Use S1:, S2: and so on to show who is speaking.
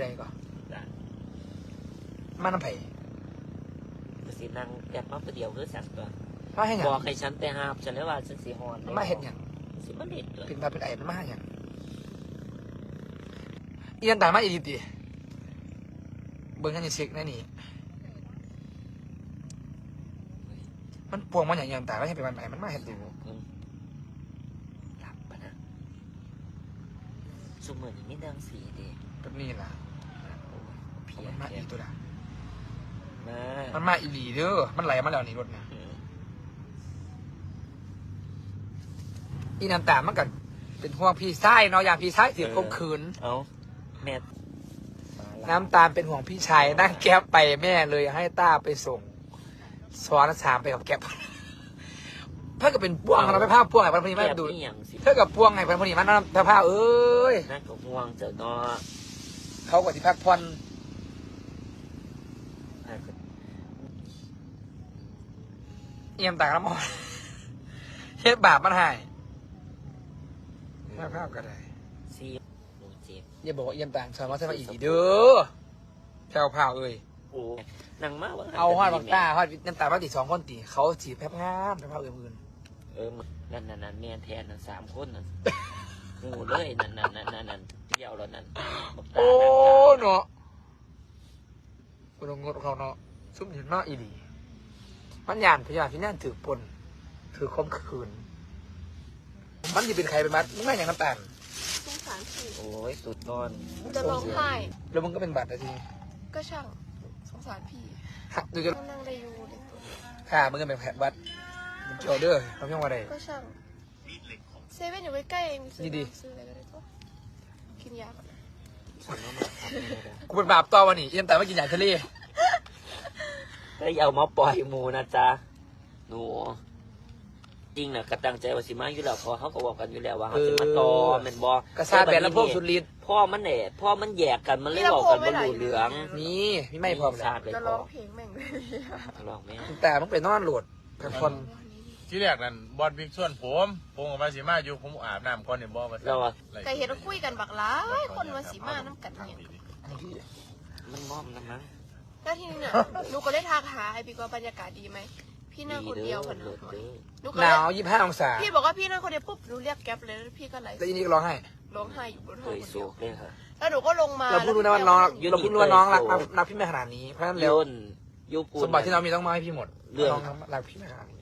S1: ใดก่อนมาน้ำไผ่
S2: สินั่งแอบมาประเดี๋ยวคือสักตัว
S1: มาให้หยัง
S2: บอกให้ฉันแต่หาบฉันเลยว่าฉันสีฮอน
S1: มาเห็นหยัง
S2: สิมันเด็ดเลย
S1: เป็นมาเป็นไอ้มันมาให้หยังเอียนตายมาอีดีตีเบิ้งกันยังเช็คแน่นี่มันปวงมันอย่างยังตายแล้วยังเป็นมันไอ้มันมาเห็นดู
S2: หลับปะนะสมเหมือนไม่ดังสีเด็ก
S1: แบบนี้ล่ะ
S2: เพีย
S1: มันมาอีตัวละ
S2: มา
S1: มันมาอีหลีเด้อมันไหลมาแล้วนี่รถเนี่ยอีน้ำตาลมันกันเป็นห่วงพี่ชายเนาะอย่างพี่ชายถือคมขืน
S2: เอาแม่
S1: น้ำตาลเป็นห่วงพี่ชายนั่งแก๊ปไปแม่เลยให้ต้าไปส่งซ้อนสามไปกับแก๊ปถ้าเกิดเป็นพ่วงเราไปภาพพ่วงไงพันพนีมาดู
S2: อย่างสิ
S1: ถ้ากับพ่วงไงพันพนีมาน้ำภาพเอ้ย
S2: นั่นก็ห่วงเจ้าเนาะ
S1: เขากว่าที่พักผ่อนเอี่ยมต่างน้ำมันเฮ็ดบาปมันหายภาพก็ได้
S2: ซีหนูเจ็บ
S1: อย่าบอกว่าเอี่ยมต่างสอนว่าใช่มาอีกเด้อแถวเผาเอ้ย
S2: โอ้นางมากวะ
S1: เอาฮอดบักตาฮอดน้ำตาลมาติด2 คนตีเขาจีบแพบงามแพบเผาอื่น
S2: นั่นเมียแทน3 คนนั่นงูเลยนั่นเดี่ยวแล้วนั่น
S1: โอ้เนาะกูต้องงดเขาเนาะซุ่มเห็นเนาะอีดีมันยานพยานที่นั่นถือปนถือคมคืนมันจะเป็นใครเป็นมัดมึงไม่อย่างน้ำตาล
S3: สงสารพี่
S2: โอ้ยสุดนอน
S3: จะร้องไห้
S1: แล้วมึงก็เป็นบัตรนะที
S3: ก็ช่างสงสารพี่
S1: หักดูจะ
S3: นั่งได้อยู่เด็กตัว
S1: ฆ่ามึงก็เป็นแผลบัตรมึงเกี่ยวเด้อเขาเพียงว่าอะไร
S3: ก็ช่างเซเว่นอยู่ใกล้ๆเองซื้อ
S1: นี่ดิ
S3: ซื้ออะไรก็ได้ตัวกินยาก่อนนะ
S2: ฉันว่ามันทำไม่ได้
S1: กูเป็นบาปต่อวันนี้เอี่ยมแต่ไม่กินอย่างทะเล
S2: ก็อย่าเอามาปล่อยหมูนะจ๊ะหนูจริงนะกระตั้งใจว่าสิมาอยู่แล้วพอเขาก็บอกกันอยู่แล้วว่าเขาจะมาต่อแมันบอก
S1: กระซาแบนแล้วพวกสุดฤทธิ์
S2: พ่อมันเนี่ยพ่อมันแยกกันมันเลยบอกกันว่าหลูเหลือง
S1: นี่ไม่พร้อม
S2: ท
S1: แล้
S2: ราว บเลย
S3: จะ
S2: พ่
S3: ร้
S2: อ
S3: องเพลงแม่งเลย
S2: ลองไหม
S1: แต่มึงเป็นนอนโหลดพักผ่อน
S4: ที่แรกนั่นบอลบิ๊กส่วนผมกับมาสิมาอยู่ผมอาบน้ำก่อนเนี่ยบอลมา
S2: เราอะ
S3: ไก่เห็นว่าคุยกันบักหล้ายคนมาสีมาน้ำกันเนี่ย
S2: มันมอมนะมั้ง
S3: แล้วทีนี้เนี่ยหนูก็ได้ทักหาไอพี่ก็บรรยากาศดีไหมพี่นั่งคนเดียวคน
S2: เด้
S3: เดี
S2: อ
S3: ยวหนูก็
S1: ห
S3: เล
S1: นาวย 25 องศา
S3: พี่บอกว่าพี่นั่งคนเดียวปุ๊บหนูเรียกแก๊ปเลยแล้วพี่ก็ไหล
S1: แล้วอีนี่ก็ร้องไห้
S3: ร้องไห้อยู่บน
S2: เค
S3: ห้อง
S2: ย
S3: คน
S2: สู
S3: เดียว
S2: กเลยค่ะ
S3: แล้วหนูก็ลงมา
S1: เราเพิ่งรู้นะว่าน้องเราเพิ่งรู้ว่าน้องรักพี่ไม่ขนาดนี้เพราะฉะนั้นแล้ว
S2: ยูปู
S1: สมบัติที่เรามีต้องมาให้พี่หมด
S2: เรื่อง
S1: น้องรักพี่ไม่ขนาดนี้